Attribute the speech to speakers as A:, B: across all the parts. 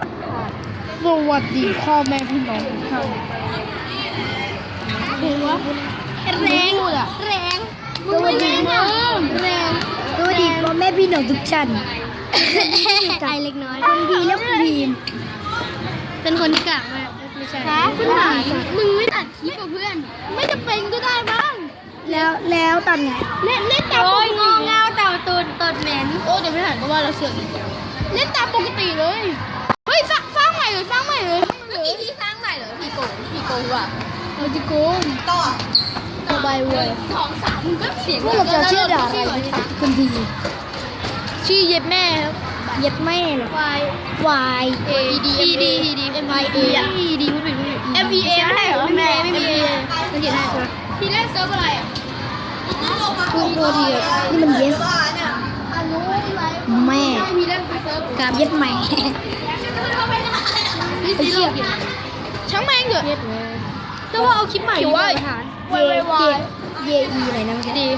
A: สวัสดีพ่อแม่พี่น้องทุกท่านหัวแรงแรงสวัสดีแรงสวัสดีพ่อแม่พี่น้องทุกท่านใจเล็กน้อยคนดีแล้วคนดีเป็นคนกลางมากไม่ใช่คุณหายมึงไม่ตัดคลิปกับเพื่อนไม่จะเป็นก็ได้บ้างแล้วตอนไงเล่นตามโอ้ยงอเงาเต่าตูนตดเหม็นโอ้เดี๋ยวไม่หันก็ว่าเราเสือกเล่นตามปกติเลยเฮ้ยสร้างใหม่เลยพี่สร้างใหม่เหรอพี่โกงว่ะพี่โกงต่อใบเว้ย2 3มึงก็เสียงพวกเราจะชื่อด่าอะไรคนดีชื่อเย็บแม่ครับเย็บแม่เหรอ Y A D M Y A D พูดผิด M E A ไม่ใช่เหรอแม่ไม่มีมันเขียนให้พี่เล่นเซิร์ฟอะไรอ่ะคุณโรดีนี่มันเย็บแม่กับเย็บใหม่นี่สิลูกช่างแม่งเถอะแต่ว่าเอาคลิปใหม่ดีกว่าเยอีอะไรนะมันดี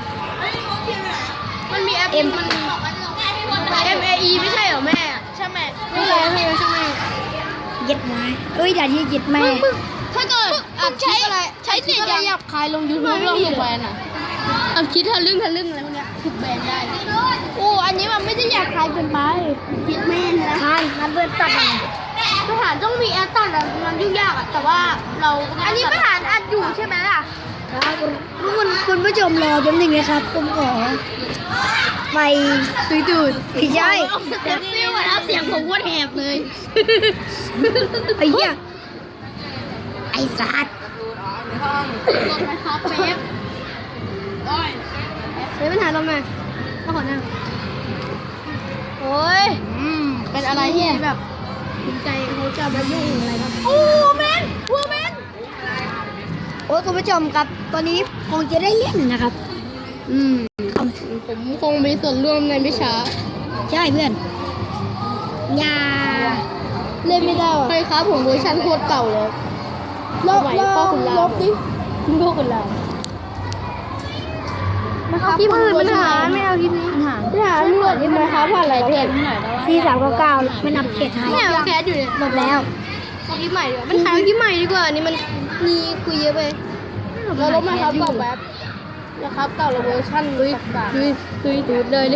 A: มันมีแอปมันM A E ไม่ใช่เหรอแม่ใช่แม่ไม่ใช่ใช่แม่เย็ดไม้ด่าที่เย็ดแม่ถ้าเกิดใช้เสียงหยาบคายลง YouTube ลงถูกแบนอ่ะเอาคิดทะลึ่งอะไรพวกเนี้ยถูกแบนได้โอ้อันนี้มันไม่ได้หยาบคายเกินไปเย็ดแม่นะคายมันเบิร์ตัดทหารต้องมีแอปตัดอะมันยุ่งยากอะแต่ว่าเราอันนี้ทหารอัดอยู่ใช่ไหมล่ะครับคุณผู้ชมรอแป๊บนึงนะครับผมขอไปตื่นพี่ใช่ฟิวนะเสียงผมว่าแหบเลยไอ้เหี้ยไอ้สัตว์ลงไปครับเป๊ปเฮ้ยปัญหาลงมาต้องขอนั่งโอ้ยเป็นอะไรที่แบบภูมิใจเขาจะมายุ่งอะไรครับโอ้แมนโอ้คุณผู้ชมครับตอนนี้คงจะได้เล่นนะครับผมคงมีส่วนร่วมในวิชาใช่เพื่อนอย่าเล่นไม่ได้ใช่ครับผมเวอร์ชันโคตรเก่าเลยลบดิคุณพ่อคุณเราเอาคลิปอื่นมันหาไม่เอาคลิปนี้มันหาไม่หมดที่มันค้าผ่านหลายเพจที่399ไม่นับเพจไทยไม่เอาแคสอยู่เนี่ยหมดแล้วเอาคลิปใหม่ดีกว่ามันหาคลิปใหม่ดีกว่านี่มันมีคุยเยอะไปเราลบมาครับก่อนแป๊บนะครับเก่าเราเวอร์ชันลุยดูดเลย